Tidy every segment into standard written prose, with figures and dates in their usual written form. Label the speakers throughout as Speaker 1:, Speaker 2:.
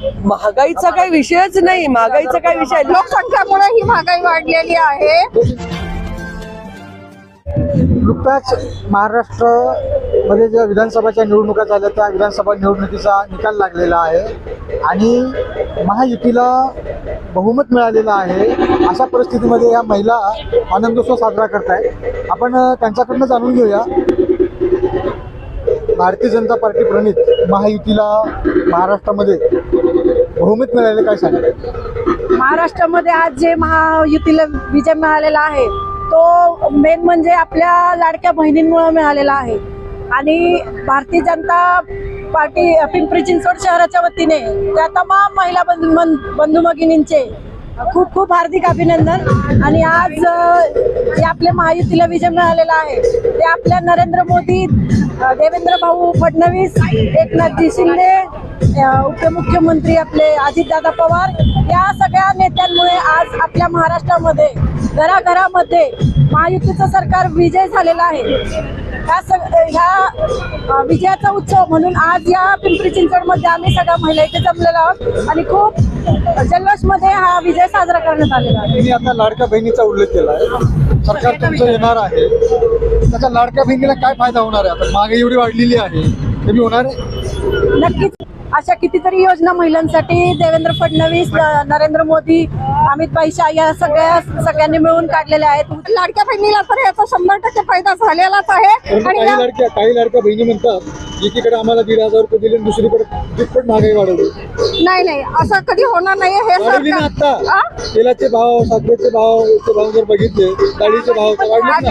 Speaker 1: महागाईचा काही विषयच नाही. महागाईचा काय विषय,
Speaker 2: लोकसंख्येमुळे ही महागाई वाढलेली आहे.
Speaker 3: नुकताच महाराष्ट्रामध्ये ज्या विधानसभाच्या निवडणुका झाल्या त्या विधानसभा निवडणुकीचा निकाल लागलेला आहे आणि महायुतीला बहुमत मिळालेलं आहे. अशा परिस्थितीमध्ये या महिला आनंदोत्सव साजरा करतायत. आपण त्यांच्याकडनं जाणून घेऊया. भारतीय जनता पार्टी प्रणित महायुतीला महाराष्ट्रामध्ये बहुमत मिळाले, काय सांगतात?
Speaker 2: महाराष्ट्रामध्ये आज जे महायुतीला विजय मिळालेला आहे तो मेन म्हणजे आपल्या लाडक्या बहिणींमुळे मिळालेला आहे. आणि भारतीय जनता पार्टी पिंपरी चिंचवड शहराच्या वतीने त्या तमाम महिला बंधू भगिनींचे खूप खूप हार्दिक अभिनंदन. आणि आज जे आपल्या महायुतीला विजय मिळालेला आहे ते आपल्या नरेंद्र मोदी, देवेंद्र भाऊ फडणवीस, एकनाथजी शिंदे, उपमुख्यमंत्री आपले अजितदादा पवार या सगळ्या नेत्यांमुळे आज आपल्या महाराष्ट्रामध्ये घराघरामध्ये महायुतीचं सरकार विजय झालेला आहे. ह्या विजयाचा उत्सव म्हणून आज या पिंपरी चिंचवडमध्ये आम्ही सगळ्या महिला इथे जमलेलो आहोत आणि खूप जल्लोषमध्ये हा विजय साजरा करण्यात आलेला आहे.
Speaker 3: तुम्ही आता लाडक्या बहिणीचा उल्लेख केला आहे. सरकार तुमचं येणार आहे, त्याचा लाडक्या बहिणीला काय फायदा होणार आहे? आता महागाई एवढी वाढलेली आहे, कमी होणार आहे?
Speaker 2: नक्कीच अशा कितीतरी योजना महिलांसाठी देवेंद्र फडणवीस, नरेंद्र मोदी, अमित भाई शाह या सगळ्यांनी मिळून काढलेल्या आहेत. लाडक्या बहिणीला तर याचा 100% फायदा झालेलाच आहे. आणि
Speaker 3: काही लाडक्या बहिणी म्हणतात एकीकडे आम्हाला 1,500 रुपये दिले, दुसरीकडे दुप्पट महागाई वाढवली.
Speaker 2: नाही असं कधी होणार नाही. हे
Speaker 3: वाढवली ना आता. तेलाचे भाव, साखरेचे भाव जर बघितले, डाळीचे भाव वाढले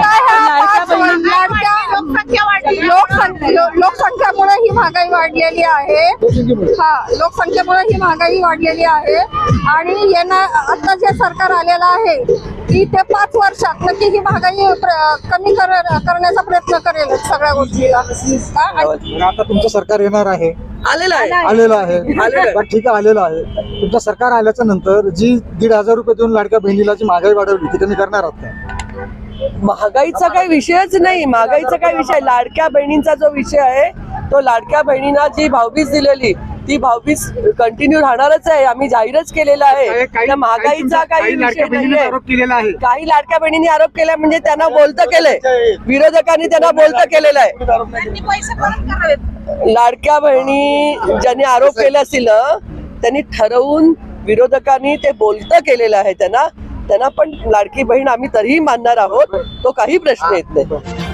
Speaker 3: ना.
Speaker 2: लोकसंख्येमुळे ही महागाई वाढलेली आहे. लोकसंख्येमुळे ही महागाई वाढलेली आहे. आणि आता जे सरकार आलेलं आहे की ते 5 वर्षात नक्की ही महागाई कमी करण्याचा प्रयत्न करेल सगळ्या गोष्टीला.
Speaker 3: आता तुमचं सरकार येणार आहे,
Speaker 1: आलेलं आहे.
Speaker 3: ठीक आहे, आलेलं आहे. तुमचं सरकार आल्याच्या नंतर जी 1,500 रुपये देऊन लाडक्या बहिणीला जी महागाई वाढवली ती कमी करणार आहात का?
Speaker 1: महागाईचा काही विषयच नाही. महागाईचा काय विषय, लाडक्या बहिणींचा जो विषय आहे तो लाडक्या बहिणींना जी भाऊबीज दिलेली ती भाऊबीज कंटिन्यू राहणारच आहे. आम्ही जाहीरच केलेला आहे. त्या महागाईचा काही विषय नाहीये. काही लाडक्या बहिणींनी आरोप केला म्हणजे त्यांना बोलतं केलंय, विरोधकांनी त्यांना बोलतं केलेलं आहे. लाडक्या बहिणी ज्यांनी आरोप केले असतील त्यांनी ठरवून विरोधकांनी ते बोलतं केलेलं आहे. त्यांना पण लाडकी बहीण आम्ही तरीही मानणार आहोत. तो काही प्रश्न येत नाही.